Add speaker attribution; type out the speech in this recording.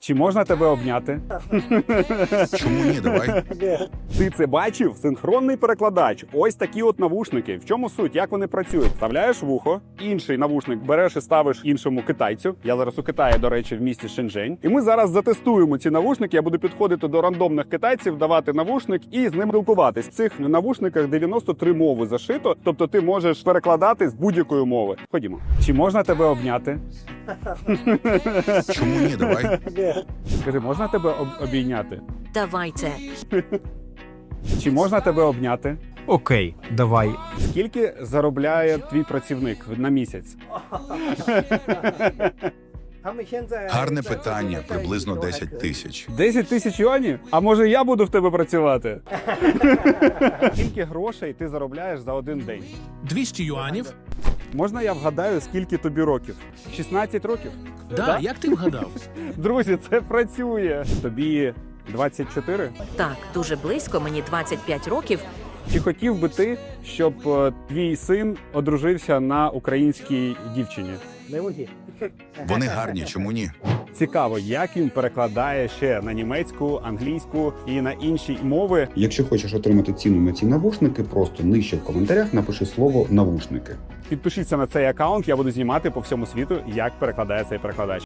Speaker 1: Чи можна тебе обняти?
Speaker 2: Чому ні, давай.
Speaker 1: Ти це бачив? Синхронний перекладач. Ось такі от навушники. В чому суть? Як вони працюють? Вставляєш вухо, інший навушник береш і ставиш іншому китайцю. Я зараз у Китаї, до речі, в місті Шенжень. І ми зараз затестуємо ці навушники. Я буду підходити до рандомних китайців, давати навушник і з ним спілкуватись. В цих навушниках 93 мови зашито, тобто ти можеш перекладати з будь-якої мови. Ходімо. Чи можна тебе обняти?
Speaker 2: Чому ні, давай.
Speaker 1: Скажи, можна тебе обійняти?
Speaker 3: Давайте.
Speaker 1: Чи можна тебе обняти?
Speaker 4: Окей, давай.
Speaker 1: Скільки заробляє твій працівник на місяць?
Speaker 2: Гарне питання, приблизно 10 тисяч.
Speaker 1: 10 тисяч юанів? А може я буду в тебе працювати? Скільки грошей ти заробляєш за один день?
Speaker 5: 200 юанів?
Speaker 1: Можна я вгадаю, скільки тобі років? 16 років?
Speaker 5: Да, як ти вгадав?
Speaker 1: Друзі, це працює. Тобі 24?
Speaker 3: Так, дуже близько, мені 25 років.
Speaker 1: Чи хотів би ти, щоб твій син одружився на українській дівчині?
Speaker 2: Вони гарні, чому ні?
Speaker 1: Цікаво, як він перекладає ще на німецьку, англійську і на інші мови.
Speaker 6: Якщо хочеш отримати ціну на ці навушники, просто нижче в коментарях напиши слово «навушники».
Speaker 1: Підпишіться на цей аккаунт, я буду знімати по всьому світу, як перекладає цей перекладач.